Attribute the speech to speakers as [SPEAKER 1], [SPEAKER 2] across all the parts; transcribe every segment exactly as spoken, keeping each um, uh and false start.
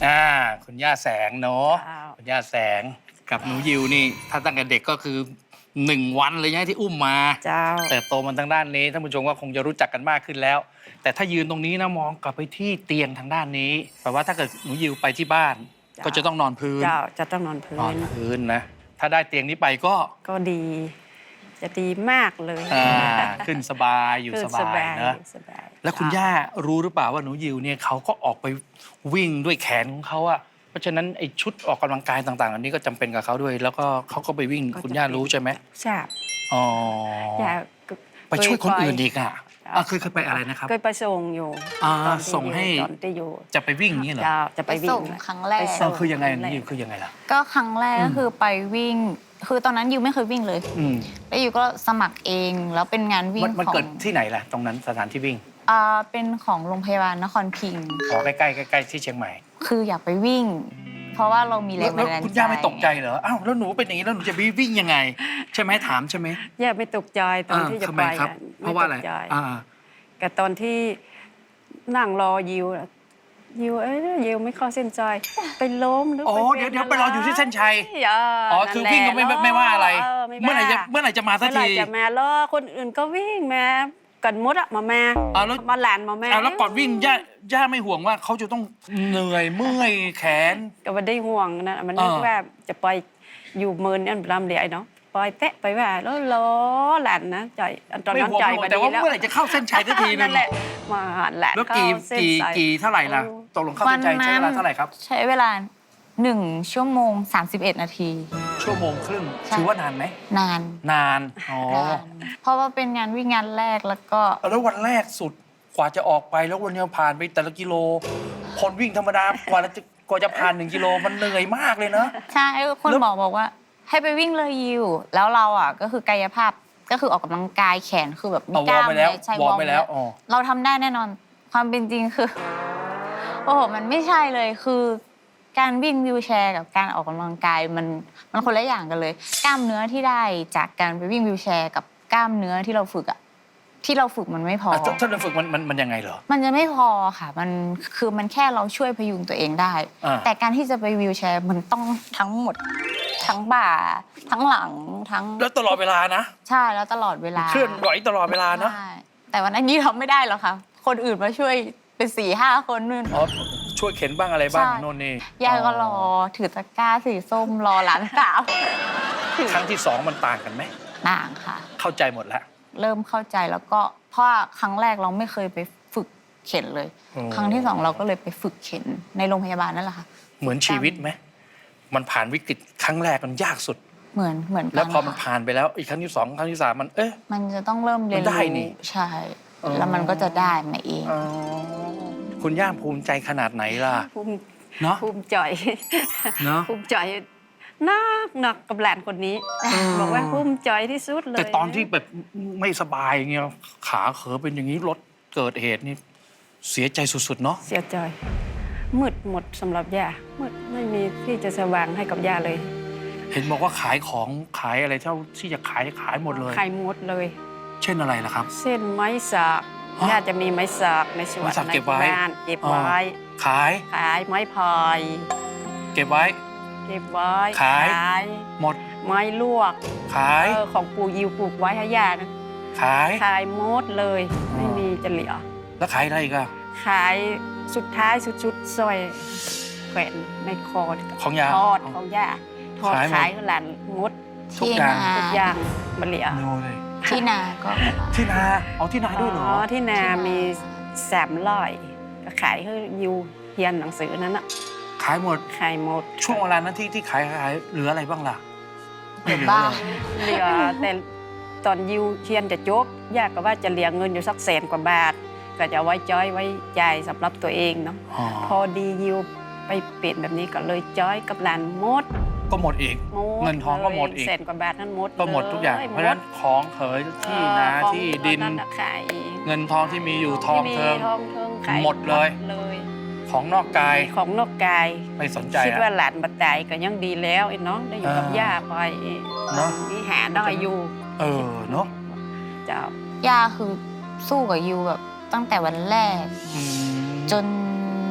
[SPEAKER 1] อ่าคุณย่าแสงเนาะ
[SPEAKER 2] เจ้า
[SPEAKER 1] คุณย่าแสงกับหนูยิวนี่ถ้าตั้งแต่เด็กก็คือหนึ่งวันเลยนะที่อุ้มมา
[SPEAKER 2] เจ้า
[SPEAKER 1] เติบโตมันทางด้านนี้ท่านผู้ชมก็คงจะรู้จักกันมากขึ้นแล้ว แต่ถ้ายืนตรงนี้นะมองกลับไปที่เตียงทางด้านนี้แปลว่าถ้าเกิดหนูยิวไปที่บ้าน
[SPEAKER 2] จ้ะ
[SPEAKER 1] ก็จะต้องนอนพื้น
[SPEAKER 2] เจ้าจะต้องนอนพื้
[SPEAKER 1] นอน
[SPEAKER 2] น
[SPEAKER 1] พื้นนะถ้าได้เตียงนี้ไปก็
[SPEAKER 2] ก็ดี จะดีมากเลย
[SPEAKER 1] อ่าขึ้นสบายอยู่
[SPEAKER 2] ขึ้
[SPEAKER 1] ส
[SPEAKER 2] น
[SPEAKER 1] บายนะ
[SPEAKER 2] สบาย
[SPEAKER 1] แล้วคุณย่ารู้หรือเปล่าว่าหนูยิวเนี่ยเขาก็ออกไปวิ่งด้วยแขนของเขาอะเพราะฉะนั้นไอ้ชุดออกกำลังกายต่างๆ อันนี้ก็จำเป็นกับเขาด้วย แล้วก็เขาก็ไปวิ่งคุณย่ารู้ใช่ไหม
[SPEAKER 2] ทราบ
[SPEAKER 1] อ๋อ
[SPEAKER 2] ย่า
[SPEAKER 1] ไปช่วยคนอื่นอีกอะ
[SPEAKER 2] จ้ะ
[SPEAKER 1] อ่ะเคยเคยไปอะไรนะครับ
[SPEAKER 2] เคยไปส่งอยู่
[SPEAKER 1] อ่า
[SPEAKER 2] ตอนที่
[SPEAKER 1] ส่งให้
[SPEAKER 2] ตอนที่อยู่
[SPEAKER 1] จะไปวิ่งอย่างนี้เหรอ
[SPEAKER 2] เจ้าจะไปวิ่
[SPEAKER 3] ส่
[SPEAKER 2] ง
[SPEAKER 3] งครั้งแรก
[SPEAKER 2] ไป
[SPEAKER 1] เอ
[SPEAKER 2] ส่
[SPEAKER 1] อคือยังไง
[SPEAKER 2] รั้
[SPEAKER 1] นี่
[SPEAKER 2] แรก
[SPEAKER 1] คือยังไงล่ะ
[SPEAKER 3] ก็ครั้งแรก
[SPEAKER 1] อืม
[SPEAKER 3] ก็คือไปวิ่ง คือตอนนั้นยูไม่เคยวิ่งเลย
[SPEAKER 1] อืม
[SPEAKER 3] แล้วยูก็สมัครเองแล้วเป็นงานวิ่
[SPEAKER 1] มั
[SPEAKER 3] ง
[SPEAKER 1] นมัน
[SPEAKER 3] ของ
[SPEAKER 1] เกิดที่ไหนล่ะ ตรงนั้นสถานที่วิ่ง
[SPEAKER 3] อ่าเป็นของโรงพยาบาลนครพิงค์
[SPEAKER 1] ขอใกล้ๆใกล้ๆที่เชียงใหม่
[SPEAKER 3] คืออยากไปวิ่ง เพราะว่าเรามีแร
[SPEAKER 1] แล้ว
[SPEAKER 3] ง
[SPEAKER 1] แล้ว
[SPEAKER 3] บันดาลใจ
[SPEAKER 1] คุณย่าไม่ตกใจเหรออ้าวแล้วหนูเป็นอย่างนี้แล้วหนูจะไปวิ่งยังไง ใช่ไหมถามใช่ไหม
[SPEAKER 2] ย่าไม่ตกใจตอนที่จะ
[SPEAKER 1] ทำ
[SPEAKER 2] ไป
[SPEAKER 1] ไมครับ
[SPEAKER 2] อะ
[SPEAKER 1] เพราะว่าอะไร
[SPEAKER 2] ม่ตกใจ
[SPEAKER 1] อ่า
[SPEAKER 2] แต่ตอนที่นั่งรอยิวอะยิวเอ้ยยิวไม่เข้าเส้นใจไปล้มหรือ
[SPEAKER 1] อ๋อ
[SPEAKER 2] ไป
[SPEAKER 1] เดี๋ยว
[SPEAKER 2] ป็น
[SPEAKER 1] เดี๋ยวไปรออยู่ที่เส้นชัย
[SPEAKER 2] เออ
[SPEAKER 1] อ๋อ
[SPEAKER 2] นั่น
[SPEAKER 1] คือ
[SPEAKER 2] แหละ
[SPEAKER 1] วิ่งก็ไม่ไม่ไม่ว่าอะไร
[SPEAKER 2] ไม่
[SPEAKER 1] เมื่อไหร่จะ
[SPEAKER 2] ว่า
[SPEAKER 1] เมื่อไหร่จะมาสัก
[SPEAKER 2] เมื่อไหร่
[SPEAKER 1] ที
[SPEAKER 2] จะมาล้อคนอื่นก็วิ่งมากันมดอะมาแม่
[SPEAKER 1] อ้าวแล้ว
[SPEAKER 2] มาหลานมาแม่
[SPEAKER 1] อ้าวแล้วก่อนวิ่งย่าย่าไม่ห่วงว่าเขาจะต้องเหนื่อยเมื่อยแขน
[SPEAKER 2] ก็ไม่ได้ห่วงนะมันนึก
[SPEAKER 1] อ่า
[SPEAKER 2] ว่าจะไปอยู่เมินอันลำเดียเนาะไปแตะไปว่าแล้วล้อหลานนะใจอันตอน
[SPEAKER 1] ไม่
[SPEAKER 2] นั้น
[SPEAKER 1] ห่วง
[SPEAKER 2] ใจ
[SPEAKER 1] ไม่ห่ว
[SPEAKER 2] มาง
[SPEAKER 1] แต่
[SPEAKER 2] ดี
[SPEAKER 1] ว่า
[SPEAKER 2] แล้ว
[SPEAKER 1] เมื่อไหร่จะเข้าเส้นชัยสักทีนึ
[SPEAKER 2] นั่
[SPEAKER 1] ง
[SPEAKER 2] นแหละมาหาหลาน
[SPEAKER 1] แล้ว
[SPEAKER 2] เข้า
[SPEAKER 1] กี่
[SPEAKER 2] เส้น
[SPEAKER 1] กี่
[SPEAKER 2] ชัย
[SPEAKER 1] กี่เท่าไหร่ล่ะตกลงเข้าเส้นชัยใช้เวลาเท่าไหร่ครับ
[SPEAKER 3] ใช้เวลาหนึ่งชั่วโมงสามสิบเอ็ดนาที
[SPEAKER 1] ชั่วโมงครึ่ง
[SPEAKER 3] ใช่
[SPEAKER 1] ถือว่านานไหม
[SPEAKER 3] นาน
[SPEAKER 1] นานอ๋อน
[SPEAKER 3] านเพราะว่าเป็นงานวิ่งงานแรกแล้วก็
[SPEAKER 1] แล้ววันแรกสุดกว่าจะออกไปแล้ววันนี้ผ่านไปแต่ละกิโล คนวิ่งธรรมดากว่าจะกว่าจะผ่านหนึ่งกิโลมันเหนื่อยมากเลยนะ
[SPEAKER 3] ใช่คน
[SPEAKER 1] แล้ว
[SPEAKER 3] หมอบอกว่า ให้ไปวิ่งเลยยิวแล้วเราอ่ะก็คือกายภาพก็คือออกกำลังกายแขนคือแบบมี
[SPEAKER 1] เอา
[SPEAKER 3] ก
[SPEAKER 1] วอ
[SPEAKER 3] ล้า
[SPEAKER 1] ร์ม
[SPEAKER 3] ม
[SPEAKER 1] ไปแล้ว
[SPEAKER 3] ใช่
[SPEAKER 1] วอร์มไปแล้ว
[SPEAKER 3] ร์ม
[SPEAKER 1] อ๋อ
[SPEAKER 3] เราทำได้แน่นอนความเป็นจริงคือ โอ้โหมันไม่ใช่เลยคือ การวิ่งวีลแชร์กับการออกกำลังกายมันมันคนละอย่างกันเลย กล้ามเนื้อที่ได้จากการไปวิ่งวีลแชร์กับกล้ามเนื้อที่เราฝึกอะที่เราฝึกมันไม่พอ
[SPEAKER 1] อ่ะถ้าถ้าเราฝึกมันมันมันยังไงเหรอ
[SPEAKER 3] มันจะไม่พอค่ะ มันคือมันแค่เราช่วยพยุงตัวเองได้
[SPEAKER 1] อ่า
[SPEAKER 3] แต่การที่จะไปวีลแชร์มันต้องทั้งหมด ทั้งบ่า ทั้งหลังทั้ง
[SPEAKER 1] แล้วตลอดเวลานะ
[SPEAKER 3] ใช่แล้วตลอดเวลา
[SPEAKER 1] เคลื่อนไหวตลอดเวลาเนาะ
[SPEAKER 3] ใช่แต่วันนั้นยี่ทำไม่ได้หรอกค่ะ คนอื่นมาช่วยเป็นสี่ห้าคนนู่น
[SPEAKER 1] อ๋อช่วยเข็นบ้างอะไรบ้าง
[SPEAKER 3] ใช่
[SPEAKER 1] โน่นนี่
[SPEAKER 3] ยายก็รอถือตะกร้าสีส้มรอหลานสาวถือ
[SPEAKER 1] ครั้งที่สองมันต่างกันไหม
[SPEAKER 3] ต่างค่ะ
[SPEAKER 1] เข้าใจหมดแล้ว
[SPEAKER 3] เริ่มเข้าใจแล้วก็เพราะว่าครั้งแรกเราไม่เคยไปฝึกเข็นเลย
[SPEAKER 1] อืม
[SPEAKER 3] ครั้งที่สองเราก็เลยไปฝึกเข็นในโรงพยาบาลนั่นแหละค่ะ
[SPEAKER 1] เหมือนชีวิตไหมมันผ่านวิกฤตครั้งแรกมันยากสุด
[SPEAKER 3] เหมือนเหมือนกั
[SPEAKER 1] แล้วพอมัน
[SPEAKER 3] ค่ะ
[SPEAKER 1] ผ่านไปแล้วอีกครั้งที่สองครั้งที่สามมันเอ๊ะ
[SPEAKER 3] มันจะต้องเริ่มเรียน
[SPEAKER 1] มันได้
[SPEAKER 3] รู้
[SPEAKER 1] นี่
[SPEAKER 3] ใช่
[SPEAKER 1] อ๋อ
[SPEAKER 3] แล้วมันก็จะได้มาเอง
[SPEAKER 1] อ๋อคุณย่าภูมิใจขนาดไหนล่ะ
[SPEAKER 2] ภูมิ
[SPEAKER 1] เนาะ
[SPEAKER 2] ภูมิใจ
[SPEAKER 1] เนาะ
[SPEAKER 2] ภูมิใจนักหนักกับหลานคนนี้ บอกว่าภูมิใจที่สุดเลย
[SPEAKER 1] แต่ตอนที่แบบไม่สบายอย่างเงี้ยขาเขอเป็นอย่างนี้รถเกิดเหตุนี่เสียใจสุดๆเนาะ
[SPEAKER 2] เสียใจมืดหมดสำหรับย่ามืดไม่มีที่จะสว่างให้กับย่าเลย
[SPEAKER 1] เห็นบอกว่าขายของขายอะไรเท่าที่จะขายขายหมดเลย
[SPEAKER 2] ขายหมดเลย
[SPEAKER 1] เช่นอะไรล่ะครับ
[SPEAKER 2] เส้นไม้สัก
[SPEAKER 1] ฮะ
[SPEAKER 2] ย่าจะมีไม้สักในสวน
[SPEAKER 1] ไม้สัก
[SPEAKER 2] ใน
[SPEAKER 1] เก็บไว้
[SPEAKER 2] บ้านเก็บไว้
[SPEAKER 1] ขาย
[SPEAKER 2] ขายไม้พาย
[SPEAKER 1] เก็บไว้
[SPEAKER 2] เก็บไว้
[SPEAKER 1] ขาย
[SPEAKER 2] ย
[SPEAKER 1] หมด
[SPEAKER 2] ไม้ลวก
[SPEAKER 1] ขาย
[SPEAKER 2] เออของปู่ยิวปลูกไว้ให้ย่านะ
[SPEAKER 1] ขาย
[SPEAKER 2] ขายหมดเลย ไม่มีจะเหลือ
[SPEAKER 1] แล้วขายอะไรอีกอะ
[SPEAKER 2] ขายสุดท้ายสุดๆสร้อยแขวนในคอ
[SPEAKER 1] ของยา
[SPEAKER 2] ทอดของย่าทอด
[SPEAKER 1] ขายหมด
[SPEAKER 2] ขายหลานมด
[SPEAKER 1] ทุก
[SPEAKER 3] ที่
[SPEAKER 1] อย่าง
[SPEAKER 3] นา
[SPEAKER 2] ทุกอย่างมันเหลือ
[SPEAKER 1] โนเลย
[SPEAKER 3] ที่นาก็
[SPEAKER 1] ที่นาเอาที่นาด้วยเหรอ
[SPEAKER 2] อ๋อที่นา
[SPEAKER 3] ที่นามี
[SPEAKER 2] มีสามร้อยก็ขายให้ยิวเรียนหนังสือนั้นอะ
[SPEAKER 1] ขายหมด
[SPEAKER 2] ขายหมด
[SPEAKER 1] ช่วงเวลานั้นที่ที่ขายขายเหลืออะไรบ้างล่ะ
[SPEAKER 3] เหลือ
[SPEAKER 1] ไม่
[SPEAKER 3] บ้าง
[SPEAKER 2] เหลือแต่ตอนยิวเรียนจะจบย่าก็ว่าจะเหลือเงินอยู่สักแสนกว่าบาท ก็จะไว้จ้อยไว้จ่ายสำหรับตัวเองเนาะ
[SPEAKER 1] อ๋อ
[SPEAKER 2] พอดียิวไปเปลี่ยนแบบนี้ก็เลยจ้อยกับหลานหมด
[SPEAKER 1] ก็หมดอีก
[SPEAKER 2] หมด
[SPEAKER 1] เงินทองก็หมดอีก
[SPEAKER 2] แสนกว่าบาทนั้นหมด
[SPEAKER 1] ก็หมดทุกอย่าง
[SPEAKER 2] ล
[SPEAKER 1] เพราะฉะนั้นของเขยที่นา
[SPEAKER 2] เออของ
[SPEAKER 1] ที่ดิน
[SPEAKER 2] ตอน่ะขาย
[SPEAKER 1] เงินทองที่มีอยู่ทอง
[SPEAKER 2] ที่มี
[SPEAKER 1] เทิง
[SPEAKER 2] ทองเทิงขาย
[SPEAKER 1] หมดเลย
[SPEAKER 2] เลย
[SPEAKER 1] ของนอกกาย
[SPEAKER 2] ของนอกกาย
[SPEAKER 1] ไม่สนใจ
[SPEAKER 2] คิด
[SPEAKER 1] อะ
[SPEAKER 2] ว่าหลานบัดตายก็ยังดีแล้วไอ้น้องได้อยู่กับ
[SPEAKER 1] อ่า
[SPEAKER 2] ย่าไป
[SPEAKER 1] เนอะ
[SPEAKER 2] นี่หาได้อยู่
[SPEAKER 1] เออเนาะ
[SPEAKER 2] เจ้า
[SPEAKER 3] ย่าคือสู้กับยูแบบตั้งแต่วันแรก
[SPEAKER 1] อืม
[SPEAKER 3] จน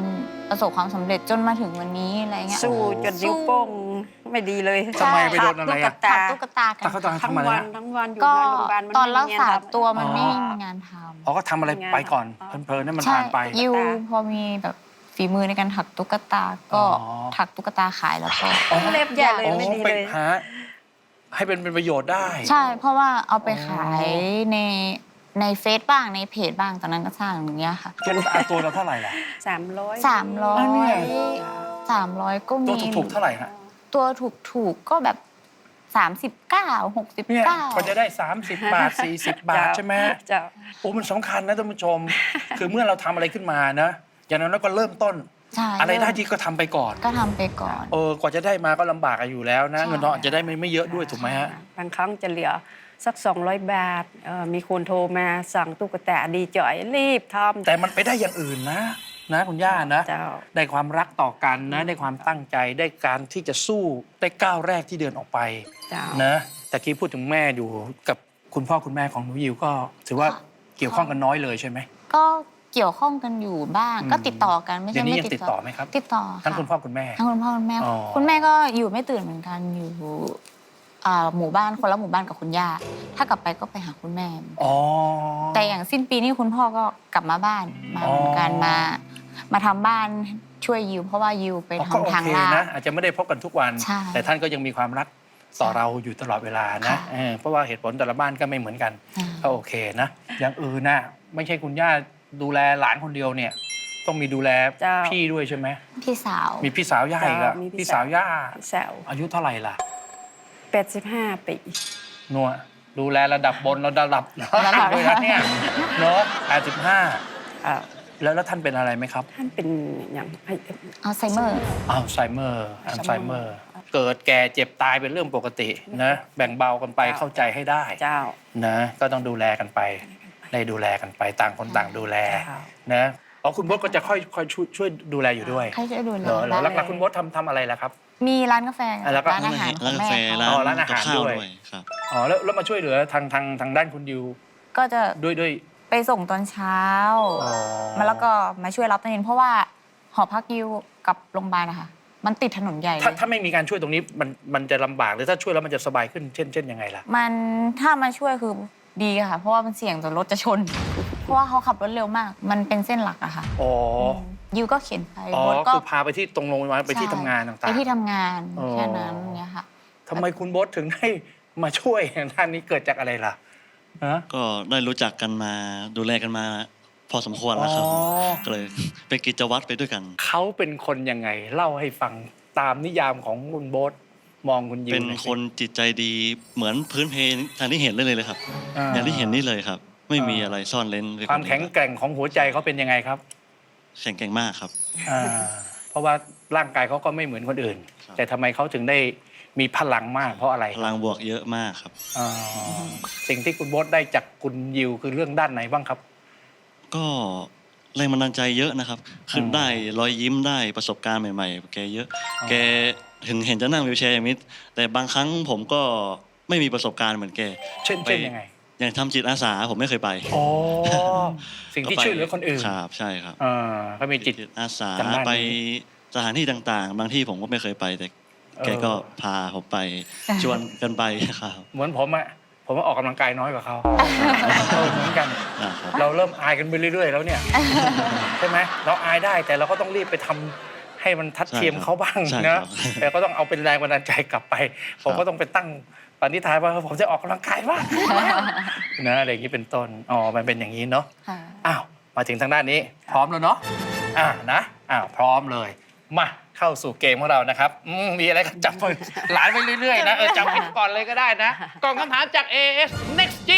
[SPEAKER 3] ประสบความสำเร็จจนมาถึงวันนี้อะไรเงี้ย
[SPEAKER 2] สู้จนนิ้วโป้งไม่ดีเลย
[SPEAKER 1] ทำไมไปโดนอะไรอะ
[SPEAKER 3] ถักตุ๊กตากัน
[SPEAKER 1] แต่เขาตอน
[SPEAKER 2] ทั้ง
[SPEAKER 1] ทำอะไร
[SPEAKER 2] วัน
[SPEAKER 1] ฮะ
[SPEAKER 2] ทั้งวันอยู่
[SPEAKER 3] ก็
[SPEAKER 2] ในโรงพยาบาลมัน
[SPEAKER 3] ตอน
[SPEAKER 2] ไม่
[SPEAKER 3] รัก
[SPEAKER 2] มี
[SPEAKER 3] ษาง
[SPEAKER 2] นทำ
[SPEAKER 3] ตัวมัน
[SPEAKER 1] อ๋อ
[SPEAKER 3] ไม่มีงานทำ
[SPEAKER 1] อ๋อก็ทำอะไรไปก่อน
[SPEAKER 2] อ๋อ
[SPEAKER 1] เพลินๆนั่นมัน
[SPEAKER 3] ใช่
[SPEAKER 1] ผ่านไป
[SPEAKER 3] ยู
[SPEAKER 2] ตุ๊กตา
[SPEAKER 3] พอมีแบบฝีมือในการถักตุ๊กตาก็
[SPEAKER 1] อ๋อ
[SPEAKER 3] ถักตุ๊กตาขายแล้วก็
[SPEAKER 1] อ๋อ
[SPEAKER 2] เล็บใหญ่เลย
[SPEAKER 1] อ๋อ
[SPEAKER 2] ไม่ดี
[SPEAKER 1] ไป
[SPEAKER 2] เลย
[SPEAKER 1] หาให้เป็นเป็นประโยชน์ได้
[SPEAKER 3] ใช่เพราะว่าเอาไป
[SPEAKER 1] อ๋อ
[SPEAKER 3] ขายในในเฟซบ้างในเพจบ้างตอนนั้นก็สร้างอย่างเงี้ยค่ะ
[SPEAKER 1] ตัวเราตัวเราเท่าไหร่ล่ะ
[SPEAKER 2] สามร้อย
[SPEAKER 3] สามร้อ
[SPEAKER 1] อ๋อเนี่ย
[SPEAKER 3] ยสามร้อยก็
[SPEAKER 1] ตัว
[SPEAKER 3] มี
[SPEAKER 1] ถูกๆเท่าไหร่ฮะ
[SPEAKER 3] ตัวถูกถูกๆก็แบบสามสิบเก้าหกสิบ
[SPEAKER 1] เนี่ย
[SPEAKER 3] เก้า
[SPEAKER 1] ก็จะได้ สามสิบ บาท สี่สิบ บาทใช่ไหม
[SPEAKER 2] เจ้า
[SPEAKER 1] โอ้มันสำคัญนะท่านผู้ชม คือเมื่อเราทำอะไรขึ้นมานะ อย่างนั้นเราก็เริ่มต้น
[SPEAKER 3] ใช่
[SPEAKER 1] อะไรได้ที่ก็ทำไปก่อน
[SPEAKER 3] ก็ทำไปก่อน
[SPEAKER 1] เออกว่าจะได้มาก็ลำบากอยู่แล้วนะ
[SPEAKER 3] ใช่
[SPEAKER 1] เงินทองอาจจะได้ไม่ไม่เยอะด้วยถูกไหมฮะ
[SPEAKER 2] บางครั้งจะเหลือสักสองร้อยบาทเอ่อมีคนโทรมาสั่งตุ๊กตาดีจ่อยรีบทำ
[SPEAKER 1] แต่มันไปได้อย่างอื่นนะ นะคุณย่านะ
[SPEAKER 2] เจ้า
[SPEAKER 1] ได้ความรักต่อกันนะ ได้ความตั้งใจ ได้การที่จะสู้ได้ก้าวแรกที่เดินออกไป
[SPEAKER 2] เจ้า
[SPEAKER 1] นะแต่กี้พูดถึงแม่อยู่กับคุณพ่อคุณแม่ของหนูยิวก็ถือว่า
[SPEAKER 3] ค่ะ
[SPEAKER 1] เกี่ยวข้องกันน้อยเลยใช่ไหม
[SPEAKER 3] ก็เกี่ยวข้องกันอยู่บ้าง
[SPEAKER 1] อืม
[SPEAKER 3] ก็ติดต่อกันไม่
[SPEAKER 1] เดี๋ย
[SPEAKER 3] ใช่
[SPEAKER 1] วนี้
[SPEAKER 3] ไม่
[SPEAKER 1] ยังติดต่อไหมครับ
[SPEAKER 3] ติดต่อ
[SPEAKER 1] ทั้ง
[SPEAKER 3] ะ
[SPEAKER 1] คุณพ่อคุณแม่
[SPEAKER 3] ทั้งคุณพ่อคุณแม่
[SPEAKER 1] อ๋อ
[SPEAKER 3] คุณแม่ก็อยู่ไม่ตื่นเหมือนกันอยู่อ่าหมู่บ้านคนละหมู่บ้านกับคุณย่าถ้ากลับไปก็ไปหาคุณแม่
[SPEAKER 1] อ๋อ
[SPEAKER 3] แต่อย่างสิ้นปีนี้คุณพ่อก็กลับมาบ้านมา
[SPEAKER 1] อ๋อ
[SPEAKER 3] เหมือนกันมา มาทำบ้านช่วยยิวเพราะว่ายิวไป
[SPEAKER 1] อ๋อก็โอ
[SPEAKER 3] ทำทาง
[SPEAKER 1] เค
[SPEAKER 3] ลา
[SPEAKER 1] นะ
[SPEAKER 3] ด
[SPEAKER 1] อาจจะไม่ได้พบกันทุกวัน
[SPEAKER 3] ใช่
[SPEAKER 1] แต่ท่านก็ยังมีความรักต่อเราอยู่ตลอดเวลานะ
[SPEAKER 3] ค่ะ
[SPEAKER 1] เออเพราะว่าเหตุผลแต่ละบ้านก็ไม่เหมือนกัน
[SPEAKER 3] อ่า
[SPEAKER 1] ก็โอเคนะ อย่างอื่นนะไม่ใช่คุณย่าดูแลหลานคนเดียวเนี่ย ต้องมีดูแล
[SPEAKER 2] เจ้า
[SPEAKER 1] พี่ด้วยใช่ไหม
[SPEAKER 3] พี่สาว
[SPEAKER 1] มีพี่สาวย่าอีกอะ
[SPEAKER 2] เจ้ามีพี่
[SPEAKER 1] พี่สาวย่า
[SPEAKER 2] แซว
[SPEAKER 1] อายุเท่าไหร่ล่ะ
[SPEAKER 2] แปดสิบห้าปี
[SPEAKER 1] นัวดูแลระดับบนระดับล่างด้วยนะเนี่ยเนาะแปดสิบห้า
[SPEAKER 2] เอ่อ
[SPEAKER 1] แล้วแล้วท่านเป็นอะไรไหมครับ
[SPEAKER 2] ท่านเป็นอย่างไอ้
[SPEAKER 3] อัลไซเมอร์
[SPEAKER 1] อัลไซเมอร์อัลไซเมอร์ เกิดแก่เจ็บตายเป็นเรื่องปกตินะ แบ่งเบากันไปเข้าใจให้ได้
[SPEAKER 2] เจ้า
[SPEAKER 1] นะ ก็ต้องดูแลกันไป ได้ดูแลกันไปต่างคนต่างดูแล
[SPEAKER 2] เจ้า
[SPEAKER 1] นะอ๋อคุณบดก็จะค่อยค่อยช่วยช่วยดูแลอยู่ด้วย
[SPEAKER 3] ใครจะดูแล
[SPEAKER 1] เหรอเหรอ
[SPEAKER 3] บ้าน
[SPEAKER 1] แล้วคุณบดทำทำอะไรล่ะครับ
[SPEAKER 3] มีร้านกาแฟ
[SPEAKER 1] อ่ะแล้วก็
[SPEAKER 3] ร้านอาหารขอ
[SPEAKER 4] ร้าง นกา
[SPEAKER 3] แม่
[SPEAKER 4] แฟ
[SPEAKER 3] เขา
[SPEAKER 4] ร้าน
[SPEAKER 1] อ๋อร้านอาหาร
[SPEAKER 4] กับข้าว
[SPEAKER 1] ด้วย
[SPEAKER 4] ด้วยครับ
[SPEAKER 1] อ๋อแล้วแล้วมาช่วยเหลือทางทางทางด้านคุณดิว
[SPEAKER 3] ก็จะ
[SPEAKER 1] ด้วยด้วย
[SPEAKER 3] ไปส่งตอนเช้า
[SPEAKER 1] อ๋อ
[SPEAKER 3] มาแล้วก็มาช่วยรับตอนเย็นเพราะว่าหอพักยิวกับโรงพยาบาลนะคะมันติดถนนใหญ่เล
[SPEAKER 1] ถ้าย ถ้าไม่มีการช่วยตรงนี้มันมันจะลำบากหรือถ้าช่วยแล้วมันจะสบายขึ้นเช่นเช่นยังไงล่ะ
[SPEAKER 3] มันถ้ามาช่วยคือดีค่ะ เพราะว่ามันเสี่ยงต่อรถจะชน เพราะว่าเขาขับรถเร็วมาก มันเป็นเส้นหลักอะค่ะ
[SPEAKER 1] อ๋อ
[SPEAKER 3] ยิวก็เข็นไป
[SPEAKER 1] อ๋อ
[SPEAKER 3] รถก็
[SPEAKER 1] คือพาไปที่ตรงโรงพยาบาลไปที่ทำงานต่างๆ
[SPEAKER 3] ไปที่ทำงาน
[SPEAKER 1] อ๋อ
[SPEAKER 3] แค่นั้นเนี่ยค่ะ
[SPEAKER 1] ทำไมคุณบดถึงได้มาช่วยด้านนี้เกิดจากอะไรล่ะฮะ
[SPEAKER 4] ก็ได้รู้จักกันมาดูแลกันมาพอสมควรแล้วครับ
[SPEAKER 1] อ๋อ
[SPEAKER 4] ก็เลยเป็นกิจวัตรไปด้วยกัน
[SPEAKER 1] เขาเป็นคนยังไง เล่าให้ฟังตามนิยามของคุณโบทมองคุณยิว
[SPEAKER 4] เป็น
[SPEAKER 1] หอยสิ
[SPEAKER 4] คนจิตใจดีเหมือนพื้นเพทางที่เห็นเลยเลยครับ
[SPEAKER 1] อ่า
[SPEAKER 4] อย่างที่เห็นนี่เลยครับ ไม่มี
[SPEAKER 1] อ่า
[SPEAKER 4] อะไรซ่อนเล้นไป
[SPEAKER 1] ความแข็งแกร่งของหัวใจเขาเป็นยังไงครับ
[SPEAKER 4] แข็งแกร่งมากครับ
[SPEAKER 1] อ่าเพราะว่าร่างกายเขาก็ไม่เหมือนคนอื่น
[SPEAKER 4] ครับ
[SPEAKER 1] แต่ทำไมเขาถึงได้มีพลังมากเพราะอะไร
[SPEAKER 4] พลังบวกเยอะมากครับ
[SPEAKER 1] อ่าสิ่งที่คุณโบทได้จากคุณยิวคือเรื่องด้านไหนบ้างครับ
[SPEAKER 4] ก็แรงบันดาลใจเยอะนะครับ คือ
[SPEAKER 1] ม
[SPEAKER 4] ได้รอยยิ้มได้ประสบการณ์ใหม่ๆ แกเยอะ
[SPEAKER 1] อ๋อ
[SPEAKER 4] แกเห็นเห็นจะนั่งวีลแชร์อย่างนี้แต่บางครั้งผมก็ไม่มีประสบการณ์เหมือนแก
[SPEAKER 1] เช่น
[SPEAKER 4] ไป
[SPEAKER 1] เช่นยังไง
[SPEAKER 4] อย่างทำจิตอาสาผมไม่เคยไป
[SPEAKER 1] อ๋อสิ่งที่
[SPEAKER 4] ก็ไป
[SPEAKER 1] ช่วยเหลือคนอื่น
[SPEAKER 4] ครับใช่ครับ
[SPEAKER 1] อ่าก็มีจิต
[SPEAKER 4] อาสา
[SPEAKER 1] ทางด้านนี้
[SPEAKER 4] ไปสถานที่ต่างๆ บางที่ผมก็ไม่เคยไปแต่แก
[SPEAKER 1] เออ
[SPEAKER 4] ก็พาผมไปชวนกันไปครับ
[SPEAKER 1] เหมือนผมอะผมว่าออกกำลังกายน้อยกว่าเขาเออเหมือนกัน
[SPEAKER 4] อ่าครับ
[SPEAKER 1] เราเริ่มอายกันไปเรื่อย ๆ แล้วเนี่ย ใช่ไหมเราอายได้แต่เราก็ต้องรีบไปทำให้มันทัดเทียมเขาบ้าง
[SPEAKER 4] ใช่
[SPEAKER 1] นะครับ แต่ก็ต้องเอาเป็นแรงบันดาลใจกลับไป ผมก็ต้องไปตั้งปณิธานว่าผมจะออกกำลังกายบ้าง นะอะไรอย่างนี้เป็นต้นอ๋อมันเป็นอย่างนี้เนาะ
[SPEAKER 3] ค่ะ
[SPEAKER 1] อ้าวมาถึงทางด้านนี้ พร้อมแล้วเนาะอ่านะอ้าวพร้อมเลยมาเข้าสู่เกมของเรานะครับอืมมีอะไรก็จับมือหลานไปเรื่อยๆนะเออจับผิดก่อนเลยก็ได้นะกล่องคำถามจาก เอ เอส Next G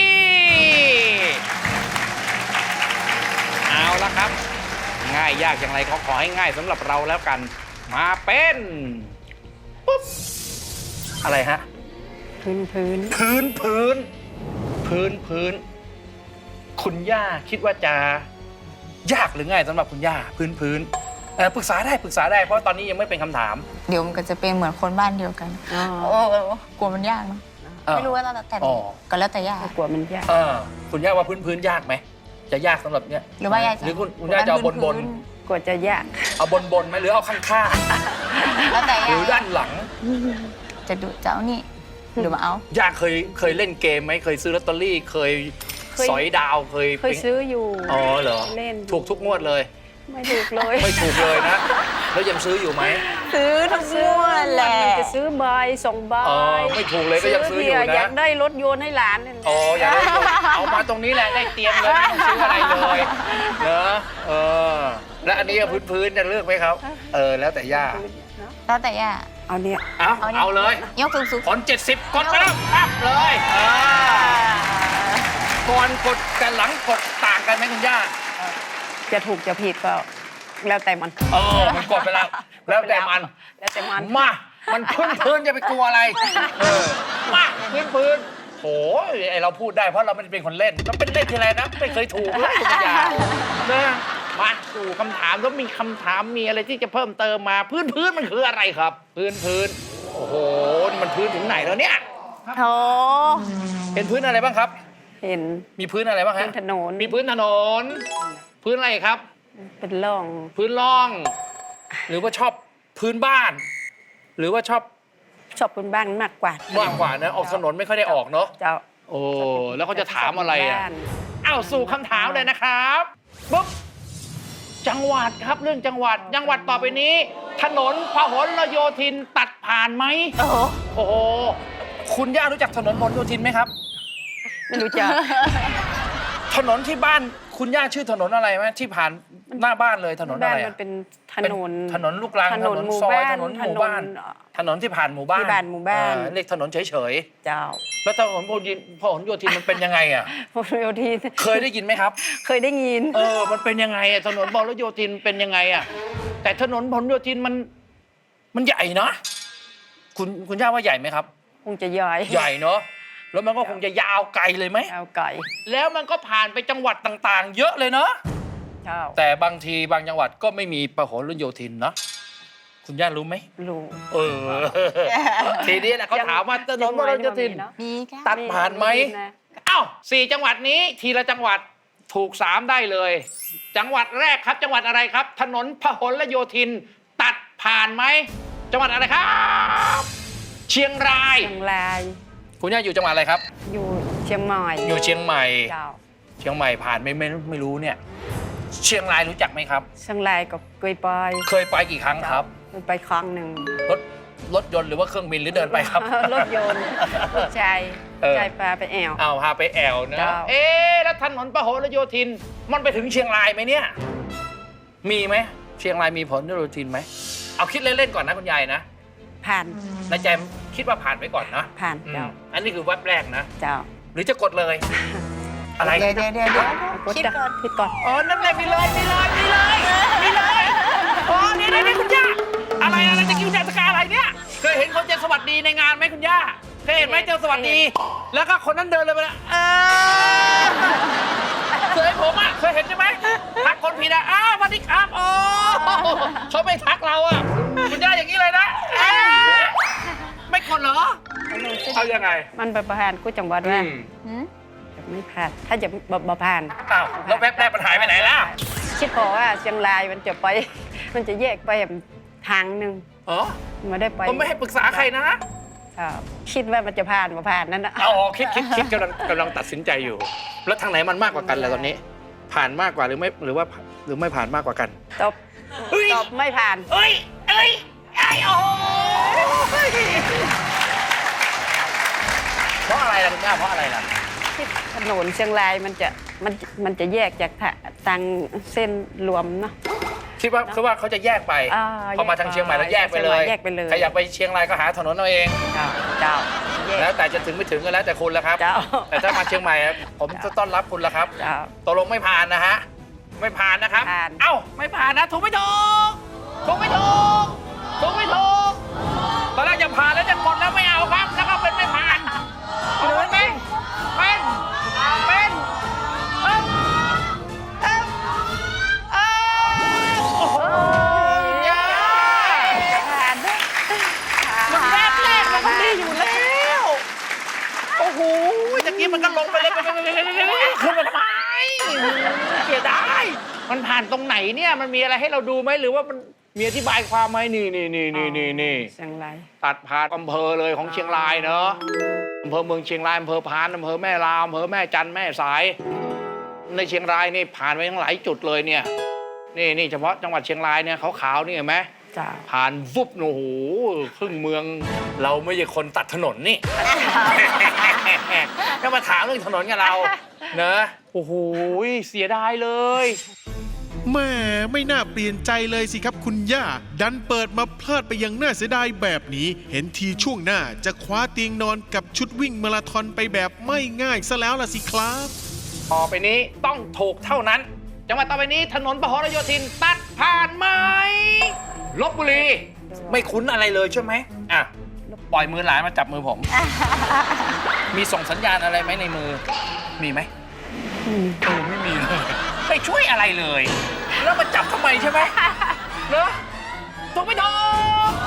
[SPEAKER 1] เอาละครับ ง่ายยากอย่างไรขอขอให้ง่ายสำหรับเราแล้วกัน มาเป็นปุ๊บอะไรฮะ
[SPEAKER 2] พื้นพื้น
[SPEAKER 1] พื้นพื้นพื้นพื้น คุณย่าคิดว่าจะยากหรือง่ายสำหรับคุณย่าพื้นพื้นเอ่อปรึกษาได้ปรึกษาได้เพราะตอนนี้ยังไม่เป็นคำถาม
[SPEAKER 3] เดี๋ยวมันก็จะเป็นเหมือนคนบ้านเดียวกัน
[SPEAKER 2] อ๋อ
[SPEAKER 3] โอ้กลัวมันยากเนอะ
[SPEAKER 1] เออ
[SPEAKER 3] ไม่รู้ว่าแล้วแต่
[SPEAKER 1] อ๋อ
[SPEAKER 3] ก็แล้วแต่ยาก
[SPEAKER 2] กลัวมันยาก
[SPEAKER 1] เออคุณย่าว่าพื้นพื้นยากไหมจะยากสำหรับเนี้ย
[SPEAKER 3] หรือว่ายาก
[SPEAKER 1] หรือคุณคุณย่าจะเอาบนบน
[SPEAKER 3] พื้
[SPEAKER 2] กว่าจะยาก
[SPEAKER 1] เอาบนบนๆไหมหรือเอาข้างข้าง
[SPEAKER 3] แล้วแต่
[SPEAKER 1] ๆหรื
[SPEAKER 3] ยา
[SPEAKER 1] อด้านหลัง
[SPEAKER 3] จะดูเจ้านี่หรือมาเอา
[SPEAKER 1] ย่าเคยเคยเล่นเกมไหมเคยซื้อลอตเตอรี่เคย
[SPEAKER 2] เคย
[SPEAKER 1] สอยดาวเคย
[SPEAKER 2] เคยซื้ออยู่
[SPEAKER 1] อ๋อเหรอ
[SPEAKER 2] เล่น
[SPEAKER 1] ถูกทุกงวดเลย
[SPEAKER 2] ไม่ถูกเลย
[SPEAKER 1] ไม่ถูกเลยนะ แล้วยังซื้ออยู่ไหม
[SPEAKER 3] ซื้อทุกงวดแหละ
[SPEAKER 2] มันจะซื้อใบสองใบ
[SPEAKER 1] อ๋อไม่ถูกเลยก็ยังซื้ออยู่
[SPEAKER 2] เบีร์
[SPEAKER 1] นะ
[SPEAKER 2] อยากได้รถยนต์ให้หลานนี่
[SPEAKER 1] อ๋ออย่าได้เลยเอามาตรงนี้แหละได้เตรียมเลยไม่ต้องซื้ออะไรเลยเนอะเออแล้วอันนี้พื้นพื้นๆจะเลือกไหมครับ เออแล้วแต่ย่า
[SPEAKER 3] แล้วแต่ย่า
[SPEAKER 2] เอาเนี่ย
[SPEAKER 1] เอา
[SPEAKER 3] เอาดิ
[SPEAKER 1] เอาเลย
[SPEAKER 3] ยกสูงสูง
[SPEAKER 1] ผลเจ็ดสิบกดไปแล้วปั๊บเลยอ่าก่อนกดกับหลังกดต่างกันไหมคุณย่า
[SPEAKER 2] จะถูกจะผิดก็แล้วแต่มัน
[SPEAKER 1] เออมันกดไปแล้ว แล้วแต่มัน
[SPEAKER 2] แล้วแต่มัน
[SPEAKER 1] มา มันพื้นพื้นจะไปกลัวอะไร เออ มาพื้นพื้นโหไอเราพูดได้เพราะเราไม่ได้เป็นคนเล่น เราเป็นเล่นทีไรนะ ไม่เคยถูกเลยคุณยานะมาสู่คำถามแล้วมีคำถามมีอะไรที่จะเพิ่มเติมมา พื้นพื้นมันคืออะไรครับ พื้นพื้นโอ้โหนี่มันพื้นถึงไหนแล้วเนี่ย
[SPEAKER 3] โถ
[SPEAKER 1] เป็นพื้นอะไรบ้างครับ
[SPEAKER 2] เห็น
[SPEAKER 1] มีพื้นอะไรบ้าง
[SPEAKER 2] บ
[SPEAKER 1] ฮะ
[SPEAKER 2] นถนน
[SPEAKER 1] มีพื้นถนน พื้นอะไรครับ
[SPEAKER 2] เป็นร่อง
[SPEAKER 1] พื้นร่อง หรือว่าชอบพื้นบ้าน หรือว่าชอบ
[SPEAKER 2] ชอบเป็นบ้านมากกว่า
[SPEAKER 1] มากกว่านะออกถนนไม่ค่อยได้ออกเนาะ
[SPEAKER 2] เจ้า
[SPEAKER 1] โอ้แล้วเขาจะถามอะไรอ่ะ
[SPEAKER 2] บ้าน
[SPEAKER 1] อ้าวสู่คำถามเลยนะครับปุ๊บจังหวัดครับเรื่องจังหวัด จังหวัดต่อไปนี้ ถนนพหลโยธินตัดผ่านไหม
[SPEAKER 3] โอ้โห
[SPEAKER 1] โอ้โหคุณย่ารู้จักถนนพหลโยธินไหมครับ
[SPEAKER 2] ไม่รู้จัก
[SPEAKER 1] ถนนที่บ้านคุณย่าชื่อถนนอะไรไหมที่ผ่านหน้าบ้านเลยถนนอะ
[SPEAKER 2] บ้าน
[SPEAKER 1] ไร
[SPEAKER 2] มั
[SPEAKER 1] อะ
[SPEAKER 2] นเป็นถนน
[SPEAKER 1] ถนนลูกรัง
[SPEAKER 2] ถนนหมู่
[SPEAKER 1] ซอย
[SPEAKER 2] บ้าน
[SPEAKER 1] ถนนหมู่บ้าน
[SPEAKER 2] ถนน
[SPEAKER 1] ถนนที่ผ่านหมู่บ้าน
[SPEAKER 2] ที่ผ่านหมู่บ้าน
[SPEAKER 1] เออเรียกถนนเฉย
[SPEAKER 2] เจ้า
[SPEAKER 1] ๆแล้วถนนพหลโยธินพหลโยธินมันเป็นยังไงอ่ะ
[SPEAKER 2] พหลโยธิน
[SPEAKER 1] เคยได้ยินไหมครับ
[SPEAKER 2] เคยได้ยิน
[SPEAKER 1] เออ มันเป็นยังไงอะถนนพหลโยธินเป็นยังไงอะแต่ถนนพหลโยธินมัน มันใหญ่นะ คุณคุณย่าว่าใหญ่ไหมครับ
[SPEAKER 2] คงจะย่อย
[SPEAKER 1] ใหญ่เนาะ แล้วมันก็คงจะยาวไกลเลยไหม
[SPEAKER 2] เอาไก่
[SPEAKER 1] แล้วมันก็ผ่านไปจังหวัดต่างๆ เยอะเลยเนาะ
[SPEAKER 2] เจ้า
[SPEAKER 1] แต่บางทีบางจังหวัดก็ไม่มีพหลโยธินเนาะ คุณย่ารู้ไหม
[SPEAKER 2] รู้
[SPEAKER 1] เออ ทีนี้นะเขาถามว่าถนนพหลโยธิน
[SPEAKER 3] มีกัน
[SPEAKER 1] ตัดผ่านไหม เอ้าสี่จังหวัดนี้ทีละจังหวัดถูกสามได้เลย จังหวัดแรกครับ จังหวัดอะไรครับ ถนนพหลโยธิน ตัดผ่านไหมจังหวัดอะไรครับ เชียงราย
[SPEAKER 2] เชียงราย
[SPEAKER 1] คุณย่าอยู่จังหวัดอะไรครับ
[SPEAKER 2] อยู่เชียงใหม่
[SPEAKER 1] อยู่เชียงใหม่
[SPEAKER 2] เจ้า
[SPEAKER 1] เชียงใหม่ผ่านไม่ไม่ไม่รู้เนี่ย เชียงรายรู้จักไหมครับ
[SPEAKER 2] เชียงรายก็เคยไป
[SPEAKER 1] เคยไปกี่ครั้งครับ
[SPEAKER 2] เคยไปครั้งหนึ่ง
[SPEAKER 1] รถรถยนต์หรือว่าเครื่องบินหรือเดินไปครับ
[SPEAKER 2] รถยนต์รถชาย
[SPEAKER 1] เออ
[SPEAKER 2] ชายพาไปแอว
[SPEAKER 1] เอาพาไปแอวนะ
[SPEAKER 2] เจ้า
[SPEAKER 1] เอ๊ะแล้วถนนพหลโยธิน มันไปถึงเชียงรายไหมเนี่ย มีไหมเชียงรายมีพหลโยธินไหมเอาคิดเล่นๆก่อนนะคุณยายนะ
[SPEAKER 2] ผ่าน
[SPEAKER 1] ในใจคิดว่าผ่านไปก่อนนะ
[SPEAKER 2] ผ่าน
[SPEAKER 1] อืม
[SPEAKER 2] เจ้า
[SPEAKER 1] อันนี้คือแวบแรกนะ
[SPEAKER 2] เจ้า
[SPEAKER 1] หรือจะกดเลย อะไร
[SPEAKER 3] เดี๋ยวเดี๋ยวเดี๋ยวเดี๋ยว
[SPEAKER 2] กด
[SPEAKER 3] คิด
[SPEAKER 2] จ้ะ
[SPEAKER 3] ก่อน
[SPEAKER 2] คิดก่อน
[SPEAKER 1] อ๋อ นั่นเลยมีเลยมีเลยมีเลยมีเลยอ๋อนี่นี่นี่คุณย่า อะไรอะไรจะกินจากสกาอะไรเนี่ย เคยเห็นคนเจอสวัสดีในงานไหมคุณย่า เคยเห็นไหมเจอสวัสดี แล้วก็คนนั้นเดินเลยไปแล้วเออเคยผมอ่ะ เคยเห็นใช่ไหมทักคนผิดอ่ะอ้าวสวัสดีครับโอ้เขาไม่ทักเราอ่ะ คุณย่าอย่างนี้เลยนะเอ๊ะไม่กดเหรอ เอายังไง
[SPEAKER 2] มันไปผ่านกูจังหวัดว่า
[SPEAKER 3] หืม
[SPEAKER 2] ไม่ผ่าน ถ้าจะบ่บ่ผ่าน
[SPEAKER 1] อ้าวแล้วแวบแรกมันหายไปไหนล่ะ
[SPEAKER 2] คิดพอว่าเชียงรายมันจะไป มันจะแยกไปทางหนึ่ง
[SPEAKER 1] อ๋อ
[SPEAKER 2] ไม่ได้ไป
[SPEAKER 1] ผมไม่ให้ปรึกษาใครนะ
[SPEAKER 2] ครับคิดว่ามันจะผ่านบ่ผ่านนั่นนะ
[SPEAKER 1] เอาคิดคิดคิดกำลังกำลังตัดสินใจอยู่ แล้วทางไหนมันมากกว่ากันล่ะตอนนี้ ผ่านมากกว่าหรือไม่หรือว่าหรือไม่ผ่านมากกว่ากัน
[SPEAKER 2] ตบ
[SPEAKER 1] เฮ้ย
[SPEAKER 2] ตบไม่ผ่าน
[SPEAKER 1] เอ้ยเอ้ยไอ้โอ้ยเพราะอะไรล่ะคุณย่าเพราะอะไรล่ะ
[SPEAKER 2] ที่ถนนเชียงรายมันจะมันมันจะแยกจากทะทางเส้นรวมเนาะ
[SPEAKER 1] คิดว่าคือว่าเขาจะแยกไป
[SPEAKER 2] อ่า
[SPEAKER 1] พอมาทางเชียงใหม่แล้วแยกไปเลย
[SPEAKER 2] แยกไปเลย
[SPEAKER 1] ใครอยากไปเชียงรายก็หาถนนเอาเอง
[SPEAKER 2] เจ้าเจ้าแยก
[SPEAKER 1] แล้วแต่จะถึงไม่ถึงก็แล้วแต่คุณแล้วครับ
[SPEAKER 2] เจ้า
[SPEAKER 1] แต่ถ้ามาเชียงใหม่อะผมจะต้อนรับคุณแล้วครับ
[SPEAKER 2] เจ้า
[SPEAKER 1] ตกลงไม่ผ่านนะฮะ ไม่ผ่านนะครับ
[SPEAKER 2] ผ่าน
[SPEAKER 1] เอ้า ไม่ผ่านนะ ถูกไม่ถูก ถูกไม่ถูก ถูกไม่ถูก ตอนแรกจะผ่านแล้วจะกดแล้วไม่เอาครับ แล้วก็เป็นไม่ผ่านเอาเป็นไหมเป็น เป็นเอ้าเอ้าเอ้าโอ้โหยา
[SPEAKER 2] ผ่าน
[SPEAKER 1] มันแรกแรกมันก็ดีอยู่แล้ว โอ้โหตะกี้มันก็ลงไปเลยไปไปไปไปไปไปขึ้นมาทำไมเสียดายมันผ่านตรงไหนเนี่ยมันมีอะไรให้เราดูไหมหรือว่ามันมีอธิบายความไหมนี่นี่นี่นี่นี่นี่
[SPEAKER 2] เชียงราย
[SPEAKER 1] ตัดผ่านอำเภอเลยของเชียงรายเนอะอำเภอเมืองเชียงรายอำเภอพานอำเภอแม่ลาวอำเภอแม่จันแม่สาย ในเชียงรายนี่ผ่านไปทั้งหลายจุดเลยเนี่ยนี่นี่เฉพาะจังหวัดเชียงรายเนี่ยขาวๆนี่เห็นไหม
[SPEAKER 2] จ้า
[SPEAKER 1] ผ่านวุบโอ้โหครึ่งเมืองเราไม่ใช่คนตัดถนนนี่ ก็มาถามเรื่องถนนกับเราเนอะโอ้โหเสียดายเลย
[SPEAKER 5] แหม่ไม่น่าเปลี่ยนใจเลยสิครับคุณย่า ดันเปิดมาพลาดไปอยังน่าเสียดายแบบนี้ เห็นทีช่วงหน้าจะคว้าเตียงนอนกับชุดวิ่งมาราธอนไปแบบไม่ง่ายซะแล้วล่ะสิครับ
[SPEAKER 1] ต่อไปนี้ต้องถูกเท่านั้น จังหวัดต่อไปนี้ถนนพหลโยธินตัดผ่านไหมลพบุรี ไม่คุ้นอะไรเลยใช่ไหมอ่ะปล่อยมือหลานมาจับมือผม มีส่งสัญญาณอะไรไหมในมือ มีไหมเออไม่มีเลยไม่ช่วยอะไรเลย แล้วมาจับทำไมใช่ไหมเนอะถูกไม่ถูก